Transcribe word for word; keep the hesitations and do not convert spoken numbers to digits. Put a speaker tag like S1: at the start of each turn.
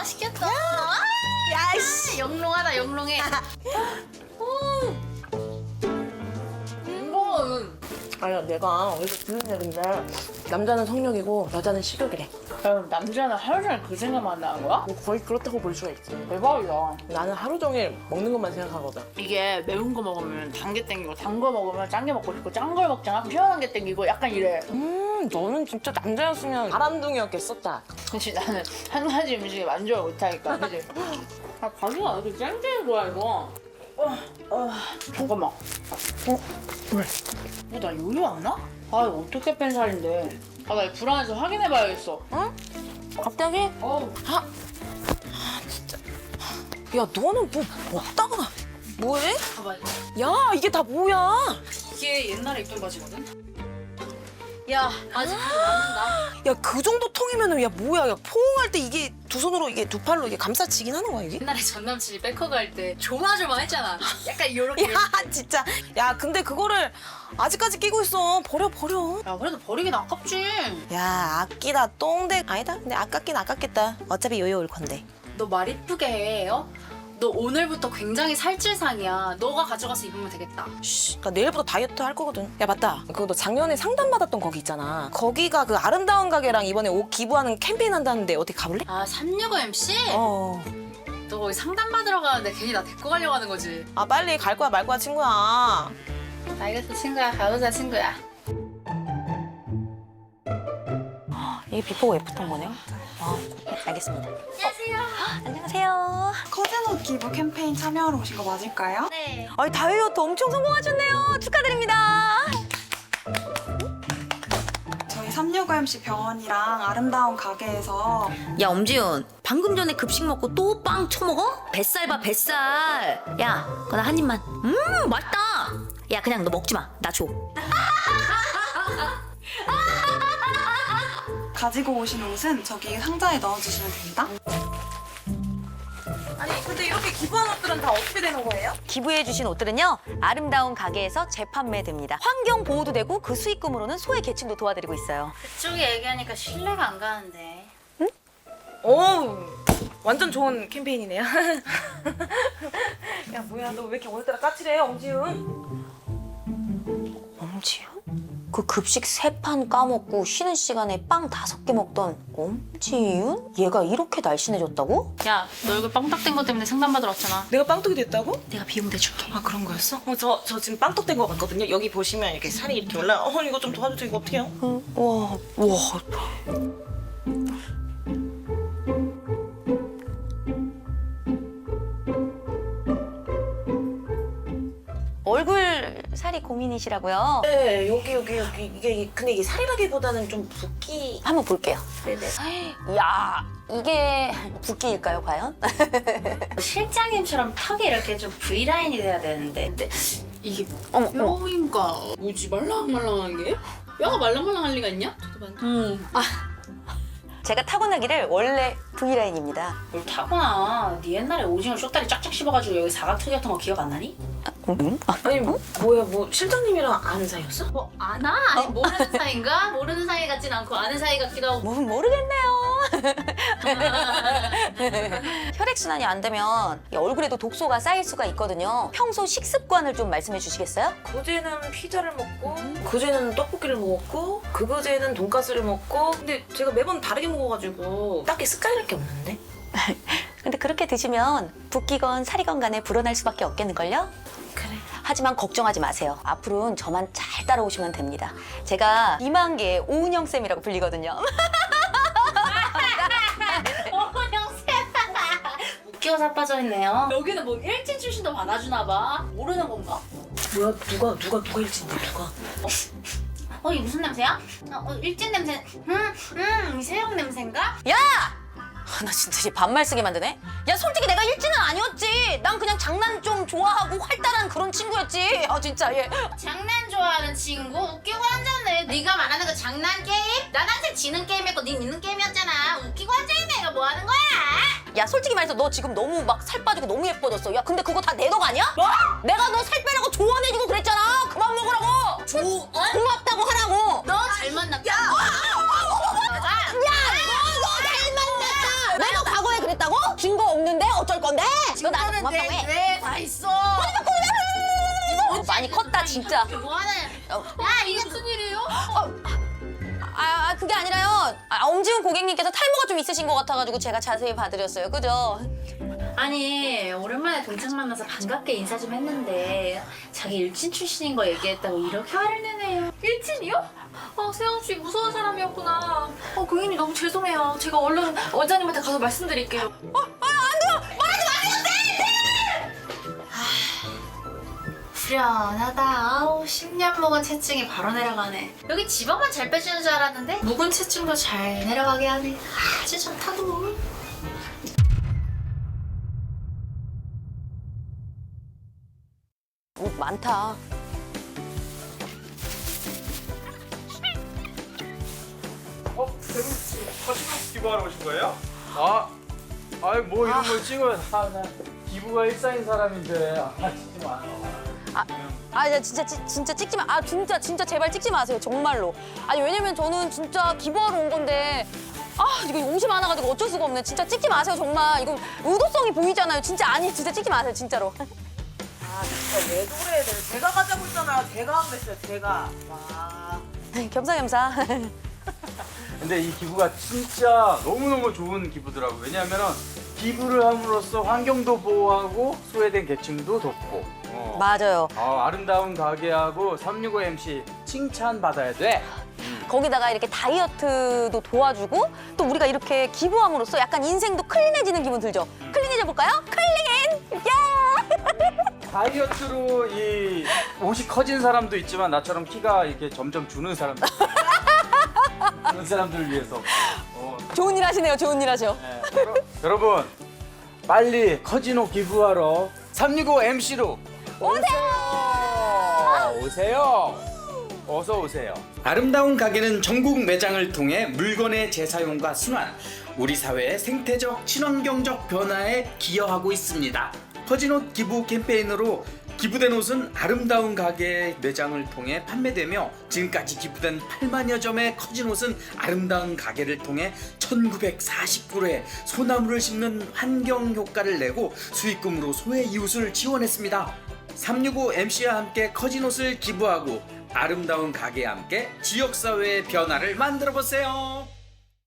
S1: 맛있겠다.
S2: 야이씨.
S1: 영롱하다 영롱해. 이거는
S2: 아니야, 내가 어디서 듣는 얘긴데 남자는 성욕이고 여자는 식욕이래.
S1: 그럼 남자는 하루 종일 그 생각만 나는 거야?
S2: 뭐 거의 그렇다고 볼 수가 있지.
S1: 대박이다.
S2: 나는 하루 종일 먹는 것만 생각하거든.
S1: 이게 매운 거 먹으면 단 게 땡기고 단 거 먹으면 짠 게 먹고 싶고 짠 걸 먹잖아. 그럼 시원한 게 땡기고 약간 이래.
S2: 음, 너는 진짜 남자였으면 바람둥이였겠었다.
S1: 그치 나는 한 가지 음식에 만족을 못하니까 그치? 아 가기가 왜 이렇게 쨍쨍이 좋아 이거. 어, 어, 잠깐만. 어?
S2: 왜?
S1: 어, 나 요리 안 나? 아 이거 어떻게 뺀 살인데. 아 나 불안해서 확인해봐야겠어.
S2: 응? 갑자기?
S1: 어우.
S2: 아, 아 진짜. 야, 너는 뭐 먹다가 뭐해?
S1: 봐봐.
S2: 야, 이게 다 뭐야?
S1: 이게 옛날에 입던 바지거든? 야 아직도 맞는다.
S2: 야, 그 정도 통이면은 야 뭐야? 야, 포옹할 때 이게 두 손으로 이게 두 팔로 이게 감싸지긴 하는 거야 이게?
S1: 옛날에 전 남친이 백허그 할 때 조마조마했잖아. 약간 요렇게.
S2: 야, 진짜. 야, 근데 그거를 아직까지 끼고 있어. 버려, 버려.
S1: 야 그래도 버리긴 아깝지.
S2: 야, 아끼다 똥대. 아니다. 근데 아깝긴 아깝겠다. 어차피 요요 올 건데.
S1: 너 말 이쁘게 해, 어? 너 오늘부터 굉장히 살찔상이야. 너가 가져가서 입으면 되겠다.
S2: 씨, 나 내일부터 다이어트 할 거거든. 야, 맞다. 그거 너 작년에 상담 받았던 거기 있잖아. 거기가 그 아름다운 가게랑 이번에 옷 기부하는 캠페인 한다는데 어디 가볼래?
S1: 아, 삼육오 엠씨?
S2: 어.
S1: 너 거기 상담 받으러 가는데 괜히 나 데리고 가려고 하는 거지?
S2: 아, 빨리 갈 거야 말 거야 친구야.
S1: 알겠어, 친구야. 가보자, 친구야.
S2: 이게 비포고 애프터인 거네요? 아, 알겠습니다.
S1: 안녕하세요.
S2: 안녕하세요.
S3: 커튼옷 기부 캠페인 참여하러 오신 거 맞을까요?
S1: 네.
S2: 아니, 다이어트 엄청 성공하셨네요. 축하드립니다.
S3: 저희 삼육오 엠씨 병원이랑 아름다운 가게에서
S4: 야 엄지윤 방금 전에 급식 먹고 또 빵 처먹어? 뱃살 봐 뱃살. 야 그거 나 한 입만. 음 맛있다. 야 그냥 너 먹지 마. 나 줘.
S3: 가지고 오신 옷은 저기 상자에 넣어주시면 됩니다.
S2: 아니, 근데 이렇게 기부한 옷들은 다 어떻게 되는 거예요?
S4: 기부해주신 옷들은요 아름다운 가게에서 재판매됩니다. 환경 보호도 되고 그 수익금으로는 소외 계층도 도와드리고 있어요.
S1: 그쪽이 얘기하니까 신뢰가 안 가는데.
S2: 오, 완전 좋은 캠페인이네요. 야, 뭐야, 너 왜 이렇게 오늘따라 까칠해, 엄지윤?
S4: 엄지윤? 그 급식 세 판 까먹고 쉬는 시간에 빵 다섯 개 먹던 엄지윤? 얘가 이렇게 날씬해졌다고?
S1: 야, 너 얼굴 빵딱된 것 때문에 상담 받으러 왔잖아.
S2: 내가 빵떡이 됐다고?
S1: 내가 비용 대줄게.
S2: 아, 그런 거였어? 어, 저, 저 지금 빵떡 된 거 같거든요. 여기 보시면 이렇게 살이 이렇게 올라. 어, 이거 좀 도와주세요. 이거 어떻게 해요?
S4: 응. 와, 와. 얼굴 살이 고민이시라고요?
S2: 네, 여기, 여기, 여기. 이게, 근데 이게 살이라기보다는 좀 붓기.
S4: 한번 볼게요.
S2: 네네.
S4: 야, 이게 붓기일까요, 과연?
S1: 실장님처럼 턱이 이렇게 좀 V라인이 돼야 되는데. 근데 이게
S4: 어머, 어머.
S1: 뼈인가? 뭐지 말랑말랑한 게? 뼈가 말랑말랑할 리가 있냐? 저도 봐.
S4: 음. 아, 제가 타고나기를 원래 V라인입니다.
S1: 뭘 타구나. 네 옛날에 오징어 쇼다리 쫙쫙 씹어가지고 여기 사각턱이 같은 거 기억 안 나니?
S4: 응? 아,
S2: 아니, 뭐, 뭐야, 뭐, 실장님이랑 아는 사이였어?
S1: 뭐 아나? 아니 모르는 사이인가? 모르는 사이 같진 않고 아는 사이 같기도 하고.
S4: 뭐 모르겠네요. 혈액순환이 안 되면 이 얼굴에도 독소가 쌓일 수가 있거든요. 평소 식습관을 좀 말씀해 주시겠어요?
S2: 그제는 피자를 먹고, 그제는 떡볶이를 먹었고, 그그제는 돈가스를 먹고. 근데 제가 매번 다르게 먹어가지고 딱히 습관이랄 게 없는데?
S4: 근데 그렇게 드시면 붓기건 살이건 간에 불어날 수밖에 없겠는걸요?
S2: 그래.
S4: 하지만 걱정하지 마세요. 앞으로는 저만 잘 따라오시면 됩니다. 제가 이만개의 오은영쌤이라고 불리거든요.
S1: 오은영쌤. 웃겨 자빠져 있네요. 여기는 뭐 일진 출신도 받아주나 봐. 모르는 건가?
S2: 뭐야, 누가, 누가, 누가 일진데, 누가?
S1: 어, 이게 무슨 냄새야? 어, 어, 일진 냄새. 음, 음, 새우 냄새인가?
S4: 야! 아, 나 진짜 이 반말 쓰게 만드네. 야 솔직히 내가 일진은 아니었지. 난 그냥 장난 좀 좋아하고 활달한 그런 친구였지. 아 진짜 얘.
S1: 장난 좋아하는 친구? 웃기고 앉았네. 네가 말하는 그 장난 게임? 난 항상 지는 게임이었고 네 있는 게임이었잖아. 웃기고 앉아있네. 내가 뭐 하는 거야?
S4: 야 솔직히 말해서 너 지금 너무 막 살 빠지고 너무 예뻐졌어. 야 근데 그거 다 내 덕 아니야? 뭐? 내가 너 살 빼라고 조언해주고 그랬잖아. 그만 먹으라고. 조 고맙다고 하라고.
S1: 너 잘 만났다. 야!
S4: 야, 너, 너 잘 만났다. 내가 과거에 그랬다고? 건데? 너 나한테 고맙다고 해.
S1: 뇌에 다 있어.
S4: 많이 컸다 진짜.
S1: 뭐하냐?
S4: 어.
S1: 야 이게 무슨 일이에요?
S4: 아, 아 그게 아니라요. 아, 엄지훈 고객님께서 탈모가 좀 있으신 것 같아가지고 제가 자세히 봐드렸어요. 그죠?
S5: 아니 오랜만에 동창 만나서 반갑게 인사 좀 했는데 자기 일진 출신인 거 얘기했다고 이렇게 화를 내네요.
S1: 일진이요? 아 세영 씨 무서운 사람이었구나. 어 고객님 너무 죄송해요. 제가 얼른 원장님한테 가서 말씀드릴게요.
S5: 후련하다. 아우 십 년 먹은 체증이 바로 내려가네. 여기 지방만 잘 빼주는 줄 알았는데 묵은 체증도 잘 내려가게 하네. 아주 좋다고.
S4: 어, 많다.
S6: 어? 세훈씨 사진 기부하러 오신 거예요? 아, 아이 뭐 이런 걸 찍어요. 아, 나 기부가 일상인 사람인데 아 찍지 마.
S4: 아, 야, 진짜 찌- 진짜 찍지 마. 아, 진짜 진짜 제발 찍지 마세요. 정말로. 아니 왜냐면 저는 진짜 기부하러 온 건데. 아, 이거 옷이 많아가지고 어쩔 수가 없네. 진짜 찍지 마세요, 정말. 이거 의도성이 보이잖아요. 진짜 아니, 진짜 찍지 마세요, 진짜로.
S2: 아 진짜 왜 그래? 제가 가자고 했잖아요. 제가 하면 됐어요. 제가. 와.
S4: 겸사겸사.
S6: 근데 이 기부가 진짜 너무너무 좋은 기부더라고. 왜냐하면은 기부를 함으로써 환경도 보호하고 소외된 계층도 돕고. 어.
S4: 맞아요.
S6: 아, 아름다운 가게하고 삼육오 엠씨 칭찬 받아야 돼.
S4: 거기다가 이렇게 다이어트도 도와주고 또 우리가 이렇게 기부함으로써 약간 인생도 클린해지는 기분 들죠? 클린해져 볼까요? 클린! 야!
S6: 다이어트로 이 옷이 커진 사람도 있지만 나처럼 키가 이렇게 점점 주는 사람도 있어요. 그런 사람들을 위해서. 어,
S4: 좋은 일 하시네요, 좋은 일 하셔.
S6: 네. 여러- 여러분 빨리 커진 옷 기부하러 삼육오 엠씨로 오세요. 오세요. 어서 오세요. 아름다운 가게는 전국 매장을 통해 물건의 재사용과 순환, 우리 사회의 생태적 친환경적 변화에 기여하고 있습니다. 커진 옷 기부 캠페인으로 기부된 옷은 아름다운 가게 매장을 통해 판매되며 지금까지 기부된 팔만여 점의 커진 옷은 아름다운 가게를 통해 천구백사십구 회 소나무를 심는 환경 효과를 내고 수익금으로 소외 이웃을 지원했습니다. 삼육오 엠씨와 함께 커진 옷을 기부하고 아름다운 가게와 함께 지역사회의 변화를 만들어보세요.